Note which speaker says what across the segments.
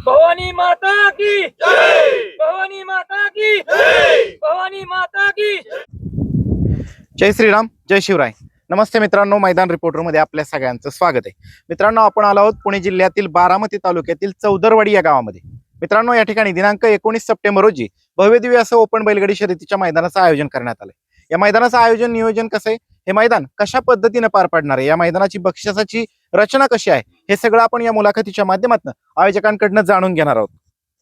Speaker 1: भवानी माता की जय, भवानी माता की जय, भवानी माता की
Speaker 2: जय श्रीराम, जय शिवराय. नमस्ते मित्रांनो, मैदान रिपोर्टरमध्ये आपल्या सगळ्यांचं स्वागत आहे. मित्रांनो, आपण आलो आहोत पुणे जिल्ह्यातील बारामती तालुक्यातील चौदरवाडी या गावामध्ये. मित्रांनो, या ठिकाणी दिनांक 19 सप्टेंबर रोजी भव्यदिव्य असं ओपन बैलगाडी शर्यतीच्या मैदानाचं आयोजन करण्यात आलंय. या मैदानाचं आयोजन नियोजन कसं आहे, हे मैदान कशा पद्धतीने पार पडणार आहे, या मैदानाची बक्षिसाची रचना कशी आहे, हे सगळं आपण या मुलाखतीच्या माध्यमातून आयोजकांकडनं जाणून घेणार आहोत.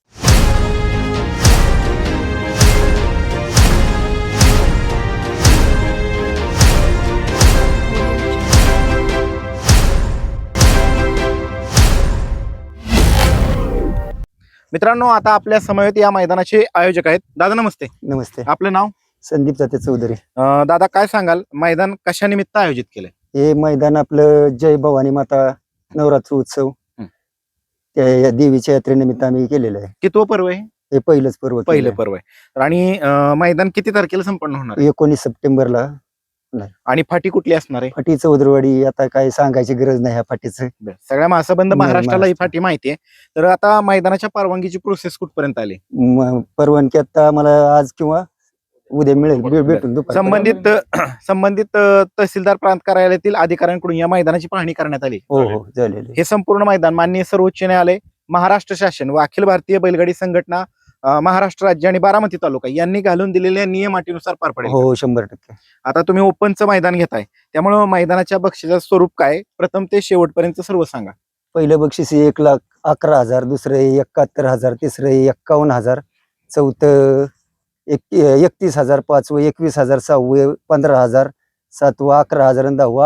Speaker 2: मित्रांनो, आता आपल्या समवेत या मैदानाचे आयोजक आहेत. दादा नमस्ते.
Speaker 3: नमस्ते.
Speaker 2: आपलं नाव?
Speaker 3: संदीप जाते चौधरी.
Speaker 2: दादा, काय सांगाल, मैदान कशा निमित्त आयोजित केलंय?
Speaker 3: हे मैदान आपलं जय भवानी माता नवरात्र उत्सव त्या या देवीच्या यात्रेनिमित्त आम्ही केलेलं आहे.
Speaker 2: कितवं पर्व आहे?
Speaker 3: हे पहिलंच पर्व
Speaker 2: पहिलं पर्व आहे. आणि मैदान किती तारखेला संपन्न होणार आहे?
Speaker 3: 19 सप्टेंबरला.
Speaker 2: आणि फाटी कुठली असणार आहे?
Speaker 3: फाटी चौधरवाडी. आता काय सांगायची गरज नाही ह्या फाटीचं.
Speaker 2: सगळ्या महासंबंध महाराष्ट्राला ही
Speaker 3: महाराष्ट्र.
Speaker 2: फाटी माहिती आहे. तर आता मैदानाच्या परवानगीची प्रोसेस कुठपर्यंत आली?
Speaker 3: परवानगी आता मला आज किंवा उद्या मिळेल. भेटून
Speaker 2: संबंधित तहसीलदार प्रांत कार्यालयातील अधिकाऱ्यांकडून या मैदानाची पाहणी करण्यात आली.
Speaker 3: हो हो झालेली.
Speaker 2: हे संपूर्ण मैदान माननीय सर्वोच्च न्यायालय, महाराष्ट्र शासन व अखिल भारतीय बैलगाडी संघटना, महाराष्ट्र राज्य आणि बारामती तालुका यांनी घालून दिलेल्या नियम अटीनुसार पार पडेल.
Speaker 3: हो 100%.
Speaker 2: आता तुम्ही ओपनचं मैदान घेताय, त्यामुळे मैदानाच्या बक्षिसाचं स्वरूप काय, प्रथम ते शेवटपर्यंत सर्व सांगा.
Speaker 3: पहिलं बक्षीस 1,11,000, दुसरं 71,000, तिसरं 51,000, चौथं 31,000, पाचवं 21,000, सहावं 15,000, सातवं 11,000 आणि दहावं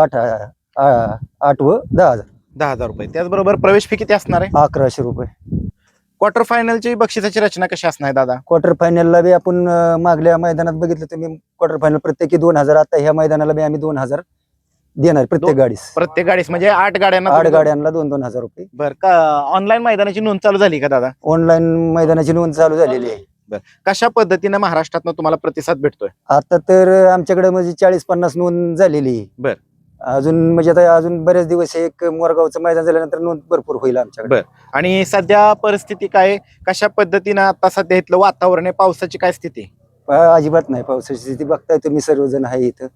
Speaker 3: 8वं 10,000.
Speaker 2: 10,000 रुपये. त्याचबरोबर प्रवेश फी किती असणार आहे?
Speaker 3: 1100 रुपये.
Speaker 2: क्वार्टर फायनलची बक्षिसाची रचना कशी असणार आहे दादा?
Speaker 3: क्वार्टर फायनलला बी आपण मागल्या मैदानात बघितलं तुम्ही, क्वार्टर फायनल प्रत्येकी 2,000. आता ह्या मैदानाला बी आम्ही 2,000 देणार प्रत्येक गाडीस.
Speaker 2: प्रत्येक गाडीस म्हणजे 8 गाड्यांना
Speaker 3: 8 गाड्यांना 2,000 रुपये.
Speaker 2: बरं का? ऑनलाईन मैदानाची नोंद चालू झाली का दादा?
Speaker 3: ऑनलाईन मैदानाची नोंद चालू झालेली आहे.
Speaker 2: कशा पद्धतीने महाराष्ट्रातनं तुम्हाला प्रतिसाद भेटतोय?
Speaker 3: आता तर आमच्याकडे म्हणजे 40-50 नोंद झालेली आहे.
Speaker 2: बर.
Speaker 3: अजून म्हणजे आता अजून बरेच दिवस एक मोरगावचं मैदान झाल्यानंतर नोंद भरपूर होईल आमच्याकडे.
Speaker 2: आणि सध्या परिस्थिती काय, कशा पद्धतीनं आता सध्या इथलं वातावरण आहे, पावसाची काय स्थिती?
Speaker 3: अजिबात नाही पावसाची स्थिती. बघताय तुम्ही सर्वजण आहे इथं.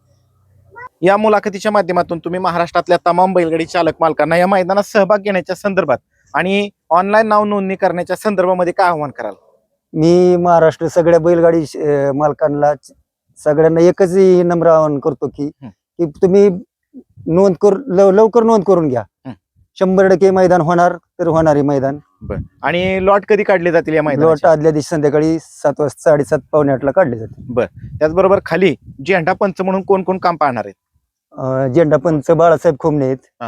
Speaker 2: या मुलाखतीच्या माध्यमातून तुम्ही महाराष्ट्रातल्या तमाम बैलगाडी चालक मालकांना या मैदानात सहभाग घेण्याच्या संदर्भात आणि ऑनलाईन नाव नोंदणी करण्याच्या संदर्भामध्ये काय आव्हान कराल?
Speaker 3: मी महाराष्ट्र सगळ्या बैलगाडी मालकांना सगळ्यांना एकच नम्र आवाहन करतो की तुम्ही नोंद लवकर नोंद करून घ्या. 100% मैदान होणार तर होणारे मैदान.
Speaker 2: आणि लॉट कधी काढले जातील या
Speaker 3: लॉट
Speaker 2: मैदानाचे?
Speaker 3: आदल्या दिवशी संध्याकाळी 7 वाजता 7:30 पावणे 8ला काढले जाते.
Speaker 2: त्याचबरोबर खाली झेंडा पंच म्हणून कोण कोण काम पाहणार आहेत?
Speaker 3: झेंडा पंच बाळासाहेब खोमणे आहेत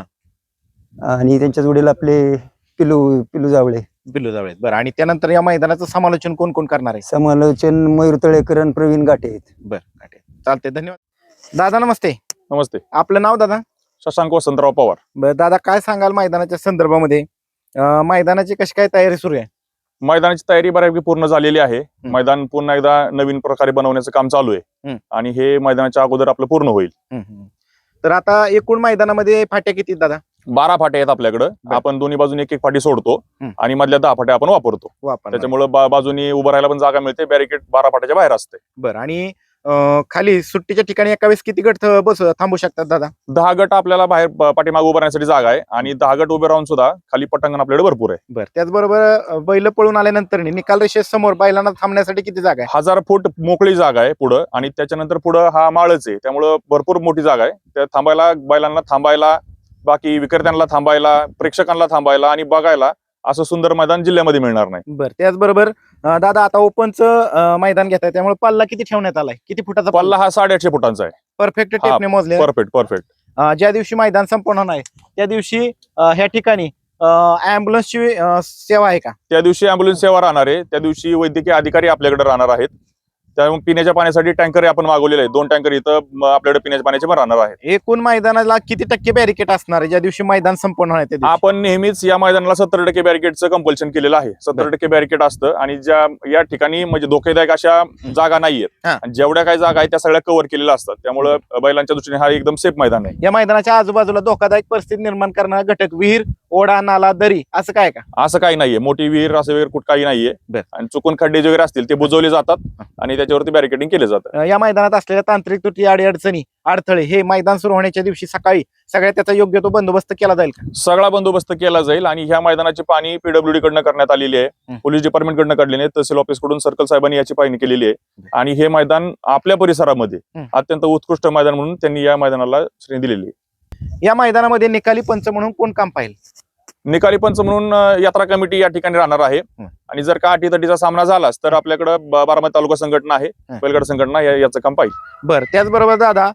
Speaker 3: आणि त्यांच्या जोडीला आपले पिलू जावळे.
Speaker 2: बरं. आणि त्यानंतर या मैदानाचं समालोचन कोण कोण करणार आहे?
Speaker 3: समालोचन मयूर तळेकर आणि प्रवीण गाठे आहेत.
Speaker 2: बरं, चालते, धन्यवाद. दादा नमस्ते.
Speaker 4: नमस्ते.
Speaker 2: आपलं नाव दादा?
Speaker 4: शशांक वसंतराव पवार.
Speaker 2: बरं दादा, काय सांगाल मैदानाच्या संदर्भामध्ये? मैदानाची कशी काय तयारी सुरू आहे?
Speaker 4: मैदानाची तयारी बऱ्यापैकी पूर्ण झालेली आहे. मैदान पुन्हा एकदा नवीन प्रकारे बनवण्याचं काम चालू आहे आणि हे मैदानाच्या अगोदर आपलं पूर्ण होईल.
Speaker 2: तर आता एकूण मैदानामध्ये फाट्या किती दादा?
Speaker 4: 12 फाट्या आहेत आपल्याकडे. आपण दोन्ही बाजूने एक फाटी सोडतो आणि मधल्या 10 फाट्या आपण वापरतो. त्याच्यामुळे बाजूनी उभं राहायला पण जागा मिळते. बॅरिकेड 12 फाट्याच्या बाहेर असते.
Speaker 2: बरं. आणि खाली सुट्टीच्या ठिकाणी एका वेळेस किती गट थांबू शकतात दादा?
Speaker 4: 10 गट आपल्याला बाहेर पाठीमागे उभं राहण्यासाठी जागा आहे आणि 10 गट उभे राहून सुद्धा खाली पटांगण आपल्याकडे भरपूर आहे.
Speaker 2: बरं. त्याचबरोबर बैल पळून आल्यानंतर निकाल रेषेसमोर बैलांना थांबण्यासाठी किती जागा आहे?
Speaker 4: 1000 फूट मोकळी जागा आहे पुढं आणि त्याच्यानंतर पुढं हा माळच आहे. त्यामुळं भरपूर मोठी जागा आहे. त्या थांबायला, बैलांना थांबायला, बाकी विक्रेत्यांना थांबायला, प्रेक्षकांना थांबायला आणि बघायला असं सुंदर मैदान जिल्ह्यामध्ये मिळणार नाही.
Speaker 2: बरं. त्याचबरोबर दादा, आता ओपनचं मैदान घेताय, त्यामुळे पल्ला किती ठेवण्यात आलाय? किती फुटाचा
Speaker 4: पल्ला? हा 850 फुटांचा आहे.
Speaker 2: परफेक्ट टेपने मोजले?
Speaker 4: परफेक्ट.
Speaker 2: ज्या दिवशी मैदान संपन्न होणार आहे त्या दिवशी ह्या ठिकाणी ॲम्ब्युलन्सची सेवा आहे का?
Speaker 4: त्या दिवशी ॲम्ब्युलन्स सेवा राहणार आहे. त्या दिवशी वैद्यकीय अधिकारी आपल्याकडे राहणार आहेत. त्यामुळे पिण्याच्या पाण्यासाठी टँकर आपण मागवलेले आहेत. 2 टँकर इथं आपल्याकडे पिण्याच्या पाण्याचे पण राहणार आहेत.
Speaker 2: एकूण मैदानाला किती टक्के बॅरिकेड असणार आहे ज्या दिवशी मैदान संपन्न होणार आहे?
Speaker 4: आपण नेहमीच या मैदानाला 70% बॅरिकेडचं कंपल्शन केलेलं आहे. 70% बॅरिकेड असतं आणि या ठिकाणी म्हणजे धोकेदायक अशा जागा नाहीयेत. जेवढ्या काही जागा आहेत त्या सगळ्या कव्हर केलेल्या असतात. त्यामुळे बैलांच्या दृष्टीने हा एकदम सेफ मैदान आहे.
Speaker 2: या मैदानाच्या आजूबाजूला धोकादायक परिस्थिती निर्माण करणारा घटक, विहीर, ओढा नाला दरी असं काय का?
Speaker 4: असं काही नाहीये, मोठी विहीर असं वगैरे कुठं काही नाहीये.
Speaker 2: बर.
Speaker 4: आणि चुकून खड्डे वगैरे असतील ते बुजवले जातात आणि त्याच्यावरती बॅरिकेडिंग केले जातं.
Speaker 2: या मैदानात असलेल्या तांत्रिक त्रुटी अडचणी अडथळे हे मैदान सुरू होण्याच्या दिवशी सकाळी सगळ्या त्याचा योग्य तो बंदोबस्त केला जाईल का?
Speaker 4: सगळा बंदोबस्त केला जाईल आणि ह्या मैदानाची पाहणी पीडब्ल्यूडी कडनं करण्यात आलेली आहे, पोलीस डिपार्टमेंट कडनं काढलेली आहे, तहसील ऑफिस कडून सर्कल साहेबांनी याची पाहणी केलेली आहे आणि हे मैदान आपल्या परिसरामध्ये अत्यंत उत्कृष्ट मैदान म्हणून त्यांनी या मैदानाला श्रेणी दिलेली आहे.
Speaker 2: या मैदानामध्ये निकाली पंच म्हणून कोण काम पाहिजे?
Speaker 4: निकाली पंच म्हणून यात्रा कमिटी या ठिकाणी राहणार आहे आणि जर का अटीतटीचा सामना झालाच तर आपल्याकडे बारामती तालुका संघटना आहे, बैलगाडा संघटना याचं काम पाहिजे.
Speaker 2: बरं, त्याचबरोबर दादा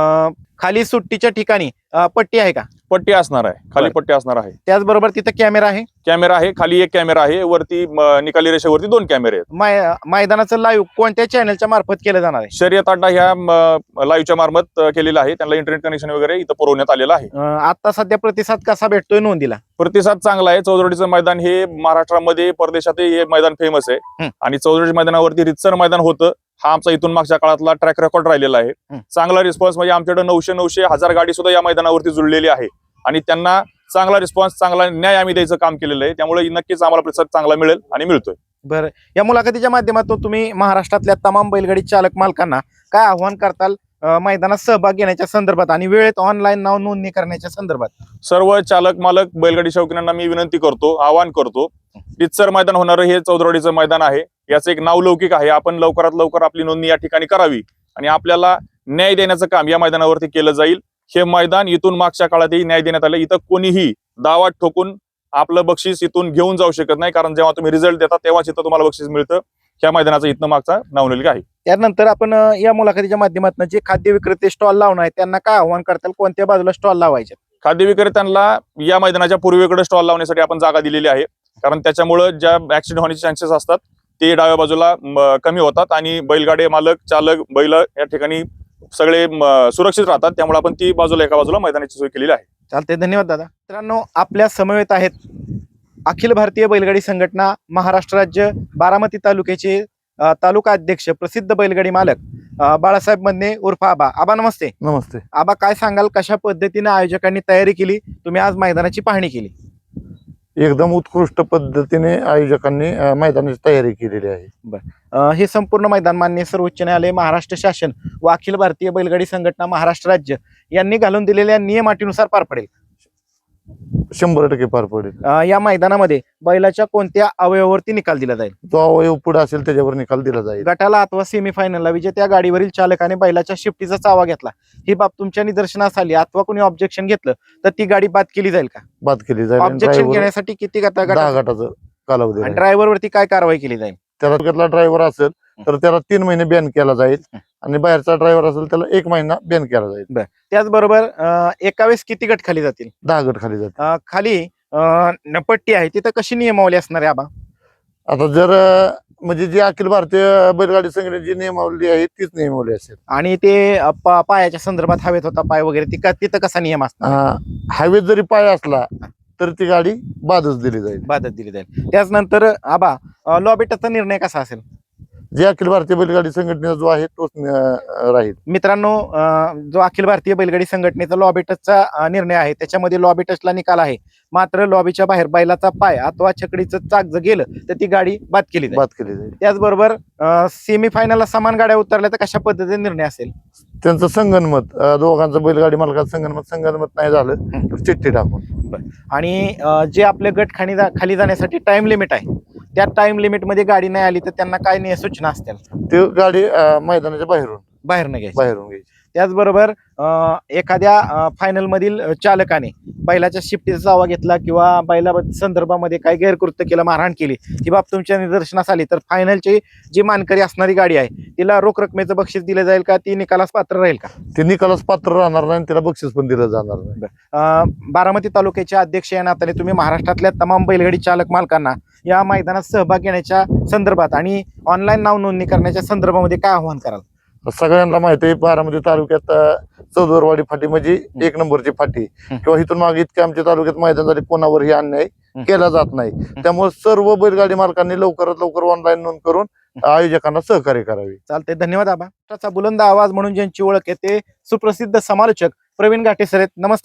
Speaker 2: खाली सुट्टीच्या ठिकाणी पट्टी आहे का?
Speaker 4: पट्टी असणार आहे, खाली पट्टी असणार आहे.
Speaker 2: त्याचबरोबर तिथं कॅमेरा आहे?
Speaker 4: कॅमेरा आहे, खाली एक कॅमेरा आहे, वरती निकाली रेषेवरती 2 कॅमेरे आहेत.
Speaker 2: मैदानाचं लाईव्ह कोणत्या चॅनलच्या मार्फत केलं जाणार आहे?
Speaker 4: शर्यत अड्डा ह्या लाईव्हच्या मार्फत केलेला आहे, त्यांना इंटरनेट कनेक्शन वगैरे इथं पुरवण्यात आलेलं आहे.
Speaker 2: आता सध्या प्रतिसाद कसा भेटतोय नोंदीला?
Speaker 4: प्रतिसाद चांगला आहे. चौधरीचं मैदान हे महाराष्ट्रामध्ये परदेशातही हे मैदान फेमस आहे आणि चौधरी मैदानावरती रितसर मैदान होतं. हा आमचा इथून मागच्या काळातला ट्रॅक रेकॉर्ड राहिलेला आहे. चांगला रिस्पॉन्स म्हणजे आमच्याकडे 900-1000 गाडी सुद्धा या मैदानावरती जुळलेली आहे आणि त्यांना चांगला रिस्पॉन्स, चांगला न्याय आम्ही द्यायचं काम केलेलं आहे. त्यामुळे नक्कीच आम्हाला प्रतिसाद चांगला मिळेल आणि मिळतोय.
Speaker 2: बरं, या मुलाखतीच्या माध्यमातून तुम्ही महाराष्ट्रातल्या तमाम बैलगाडी चालक मालकांना काय आव्हान करताल मैदानात सहभाग घेण्याच्या संदर्भात आणि वेळेत ऑनलाईन नाव नोंदणी करण्याच्या संदर्भात?
Speaker 4: सर्व चालक मालक बैलगाडी शौकीनांना मी विनंती करतो, आवाहन करतो, रितसर मैदान होणारं हे चौधरीचं मैदान आहे. याचं एक नावलौकिक आहे. आपण लवकरात लवकर आपली नोंदणी या ठिकाणी करावी आणि आपल्याला न्याय देण्याचं काम या मैदानावरती केलं जाईल. हे मैदान इथून मागच्या काळातही न्याय देण्यात आलं. इथं कोणीही दावा ठोकून आपलं बक्षीस इथून घेऊन जाऊ शकत नाही, कारण जेव्हा तुम्ही रिझल्ट देता तेव्हाच इथं तुम्हाला बक्षीस मिळतं. ह्या मैदानाचा इथनं मागचा नावलेला आहे.
Speaker 2: त्यानंतर आपण या मुलाखतीच्या माध्यमातून जे खाद्य विक्रेते स्टॉल लावणार आहेत त्यांना काय आव्हान करताल? कोणत्या बाजूला स्टॉल लावायचे?
Speaker 4: खाद्य विक्रेत्यांना या मैदानाच्या पूर्वेकडे स्टॉल लावण्यासाठी आपण जागा दिलेली आहे, कारण त्याच्यामुळे ज्या ऍक्सिडेंट होण्याचे चान्सेस असतात ते डाव्या बाजूला कमी होतात आणि बैलगाडी मालक, चालक, बैल या ठिकाणी सगळे सुरक्षित राहतात. त्यामुळे आपण ती बाजूला एका बाजूला मैदानाची सोय केलेली आहे.
Speaker 2: चालते, धन्यवाद दादा. मित्रांनो, आपल्या समवेत आहेत अखिल भारतीय बैलगाडी संघटना महाराष्ट्र राज्य बारामती तालुक्याचे तालुका अध्यक्ष, प्रसिद्ध बैलगाडी मालक बाळासाहेब मदने उर्फ आबा. आबा नमस्ते.
Speaker 3: नमस्ते.
Speaker 2: आबा, काय सांगाल, कशा पद्धतीने आयोजकांनी तयारी केली? तुम्ही आज मैदानाची पाहणी केली.
Speaker 5: एकदम उत्कृष्ट पद्धतीने आयोजकांनी मैदानाची तयारी केलेली आहे.
Speaker 2: हे संपूर्ण मैदान मान्य सर्वोच्च न्यायालय, महाराष्ट्र शासन व अखिल भारतीय बैलगाडी संघटना महाराष्ट्र राज्य यांनी घालून दिलेल्या नियम अटीनुसार पार पडेल?
Speaker 5: 100% पार पडेल.
Speaker 2: या मैदानामध्ये बैलाच्या कोणत्या अवयवावरती निकाल दिला जाईल?
Speaker 5: जो अवयव पुढे असेल त्याच्यावर निकाल दिला जाईल.
Speaker 2: गटाला अथवा सेमीफायनलला विजेत्या गाडीवरील चालकाने बैलाच्या शिफ्टीचा चावा घेतला, ही बाब तुमच्या निदर्शनास आली अथवा कोणी ऑब्जेक्शन घेतलं तर ती गाडी बाद केली जाईल का?
Speaker 5: बाद केली जाईल.
Speaker 2: ऑब्जेक्शन घेण्यासाठी किती
Speaker 5: 10 गटाचं कालावधी आहे.
Speaker 2: ड्रायव्हर वरती काय कारवाई केली जाईल?
Speaker 5: त्याला ड्रायव्हर असेल तर त्याला 3 महिने बॅन केला जाईल आणि बाहेरचा ड्रायव्हर असेल त्याला 1 महिना बॅन केला जाईल.
Speaker 2: त्याचबरोबर एका वेळेस किती गट खाली जातील?
Speaker 5: 10 गट खाली जातील.
Speaker 2: खाली पट्टी आहे तिथं कशी नियमावली असणार आहे आबा?
Speaker 5: आता जर म्हणजे जी अखिल भारतीय बैलगाडी संघटनेची नियमावली आहे तीच नियमावली असेल.
Speaker 2: आणि ते पायाच्या संदर्भात हवेत होता पाय वगैरे तिथं कसा नियम असणार?
Speaker 5: हवेत जरी पाय असला तर ती गाडी बादच दिली जाईल.
Speaker 2: बादच दिली जाईल. त्याचनंतर आबा, लॉबेटचा निर्णय कसा असेल?
Speaker 5: जे अखिल भारतीय बैलगाडी संघटनेचा जो आहे तोच राहील.
Speaker 2: मित्रांनो, जो अखिल भारतीय बैलगाडी संघटनेचा लॉबेटसचा निर्णय आहे त्याच्यामध्ये लॉबेटसला निकाल आहे, मात्र लॉबीच्या बाहेर बैलाचा पाय अथवा छकडीचं चाक जर गेलं तर ती गाडी बाद केली जाईल. त्याचबरोबर सेमीफायनलला समान गाड्या उतरल्या तर कशा पद्धतीने निर्णय असेल?
Speaker 5: त्यांचं संगनमत, दोघांचं बैलगाडी मालकाचं संगनमत नाही झालं तर चिठ्ठी टाकून.
Speaker 2: आणि जे आपले गट खाली जाण्यासाठी टाइम लिमिट आहे त्या टाइम लिमिट मध्ये गाडी नाही आली तर त्यांना काय सूचना असतील?
Speaker 5: ती गाडी मैदानाच्या बाहेरून घ्यायची.
Speaker 2: त्याचबरोबर एखाद्या फायनल मधील चालकाने बैलाच्या शिफ्टीचा चावा घेतला किंवा बैला संदर्भामध्ये काही गैरकृत्य केलं, मारहाण केली, ही बाब तुमच्या निदर्शनास आली तर फायनलची जी मानकरी असणारी गाडी आहे तिला रोख रकमेचं बक्षीस दिलं जाईल का? ती निकालास पात्र राहील का?
Speaker 5: ती निकालास पात्र राहणार नाही, तिला बक्षीस पण दिलं जाणार नाही.
Speaker 2: बारामती तालुक्याचे अध्यक्ष या नात्याने तुम्ही महाराष्ट्रातल्या तमाम बैलगाडी चालक मालकांना या मैदानात सहभाग घेण्याच्या संदर्भात आणि ऑनलाईन नाव नोंदणी करण्याच्या संदर्भामध्ये काय आव्हान कराल?
Speaker 5: सगळ्यांना माहिती आहे बारामती तालुक्यात चौदरवाडी फाटी म्हणजे 1 नंबरची फाटी, किंवा इथून मागे इतके आमच्या तालुक्यात मैदान झाले कोणावरही अन्याय केला जात नाही. त्यामुळे सर्व बैलगाडी मालकांनी लवकरात लवकर ऑनलाईन नोंद करून आयोजकांना सहकार्य करावे.
Speaker 2: चालते, धन्यवाद आबा. बुलंद आवाज म्हणून ज्यांची ओळख आहे ते सुप्रसिद्ध समालोचक प्रवीण घाटे सर आहेत. नमस्ते सर.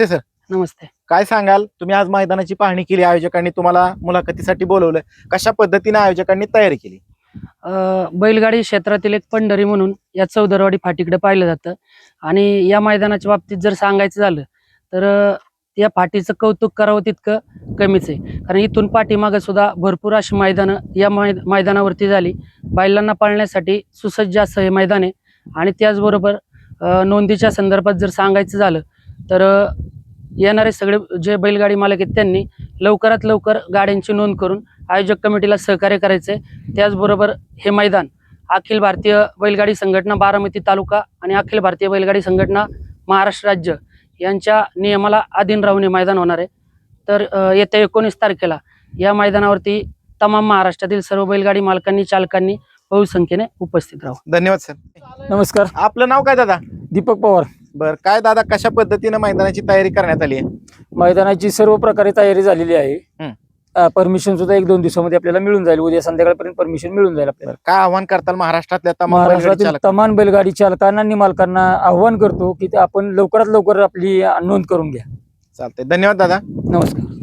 Speaker 6: नमस्ते.
Speaker 2: काय सांगाल, तुम्ही आज मैदानाची पाहणी केली, आयोजकांनी तुम्हाला मुलाखतीसाठी बोलवलं, कशा पद्धतीने आयोजकांनी तयारी केली?
Speaker 6: बैलगाडी क्षेत्रातील एक पंढरी म्हणून या चौदरवाडी फाटीकडे पाहिलं जातं आणि या मैदानाच्या बाबतीत जर सांगायचं झालं तर या फाटीचं कौतुक करावं तितकं कमीच आहे. कारण इथून पाठीमागं सुद्धा भरपूर अशी मैदानं या मैदानावरती झाली. बैलांना पाळण्यासाठी सुसज्ज असं हे मैदान आहे. आणि त्याचबरोबर नोंदीच्या संदर्भात जर सांगायचं झालं तर येणारे सगळे जे बैलगाडी मालक आहेत त्यांनी लवकरात लवकर गाड्यांची नोंद करून आयोजक कमिटीला सहकार्य करायचे. त्याचबरोबर हे मैदान अखिल भारतीय बैलगाडी संघटना बारामती तालुका आणि अखिल भारतीय बैलगाडी संघटना महाराष्ट्र राज्य यांच्या नियमाला अधीन राहून हे मैदान होणार आहे. तर येत्या 19 तारखेला या मैदानावरती तमाम महाराष्ट्रातील सर्व बैलगाडी मालकांनी चालकांनी बहुसंख्येने उपस्थित राहू.
Speaker 2: धन्यवाद सर.
Speaker 7: नमस्कार.
Speaker 2: आपलं नाव काय दादा?
Speaker 7: दीपक पवार.
Speaker 2: बर, काय दादा, कशा पद्धतीने मैदानाची तयारी करण्यात आली आहे?
Speaker 7: मैदानाची सर्व प्रकारे तयारी झालेली आहे. परमिशन सुद्धा 1-2 दिवसामध्ये आपल्याला मिळून जाईल. उद्या संध्याकाळपर्यंत परमिशन मिळून जाईल आपल्याला.
Speaker 2: काय आव्हान करताल महाराष्ट्रातल्या तमाम बैलगाडी
Speaker 7: महाराष्ट्रातील
Speaker 2: चालकांना?
Speaker 7: तमाम बैलगाडी चालकांना आणि मालकांना आव्हान करतो की ते आपण लवकरात लवकर आपली नोंद करून घ्या.
Speaker 2: चालतंय, धन्यवाद दादा.
Speaker 7: नमस्कार.